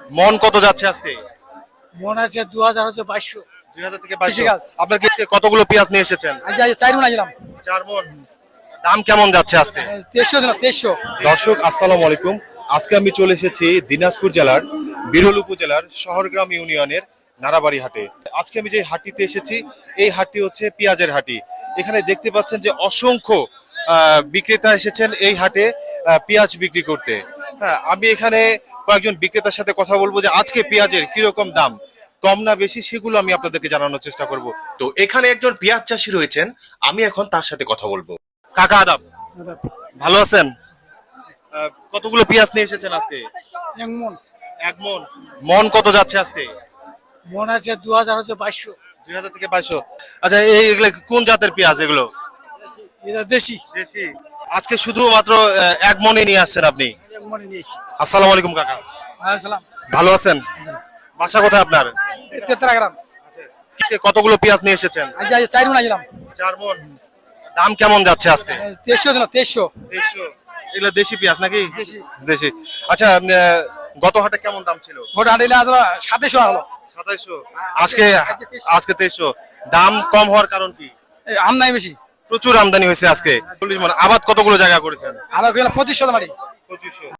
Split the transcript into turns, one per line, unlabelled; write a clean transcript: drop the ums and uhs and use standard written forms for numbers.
মন কত যাচ্ছে আজকে?
মনে আছে 2000 হতে 2200।
2000 থেকে
কৃষি
2200।
কাজ।
আপনার কি আজকে কতগুলো পেঁয়াজ নিয়ে এসেছেন?
আজ 4 মন আইলাম।
4 মণ। দাম কেমন যাচ্ছে আজকে?
2300 দিলাম 2300।
দর্শক আসসালামু আলাইকুম। আজকে আমি চলে এসেছি দিনাজপুর জেলার বিরল উপজেলার শহরগ্রাম ইউনিয়নের নারাবাড়ি হাটে। আজকে আমি যে হাটটিতে এসেছি এই হাটটি হচ্ছে পেঁয়াজের হাটটি। এখানে দেখতে পাচ্ছেন যে অসংখ্য বিক্রেতা এসেছেন এই হাটে পেঁয়াজ বিক্রি করতে। হ্যাঁ, আমি এখানে কয়েকজন বিক্রেতার সাথে কথা বলবো যে আজকে পেঁয়াজের কিরকম দাম, কম না বেশি সেগুলো আমি আপনাদেরকে জানানোর চেষ্টা করব। তো এখানে একজন পেঁয়াজ চাষি রয়েছেন, আমি এখন তার সাথে কথা বলবো। কাকা আদাব, ভালো আছেন? কতগুলো পেঁয়াজ নিয়ে এসেছেন আজকে?
1 মন।
1 মণ। মন কত যাচ্ছে আজকে?
মনে আছে 2000 হতে 2200।
2000 থেকে 2200। আচ্ছা, এগুলো কোন জাতের পেঁয়াজ এগুলো?
এটা দেশি।
দেশি। আজকে শুধুমাত্র 1 মণই নিয়ে আসছেন আপনি?
1 মনে নিয়েছি।
আসসালামু আলাইকুম কাকা।
আসসালাম।
ভালো আছেন? বাসা কোথায় আপনার?
তেতরা গ্রাম।
আজকে কতগুলো পেঁয়াজ নিয়ে এসেছেন?
আজ 4 মন আইলাম।
4 মণ। দাম কেমন যাচ্ছে আজকে?
2300 দিলাম 2300।
2300। এগুলো দেশি পেঁয়াজ নাকি?
দেশি।
দেশি। আচ্ছা, গত হাটে কেমন দাম ছিল?
গোটা আইলে আজ 2700 হলো।
2700। আজকে আজকে 2300। দাম কম হওয়ার কারণ কি?
আম নাই বেশি।
প্রচুর আমদানি হয়েছে আজকে। 40 মণ। আবাদ কতগুলো জায়গা করেছেন?
আবার কইলা 2500 মারি।
2500।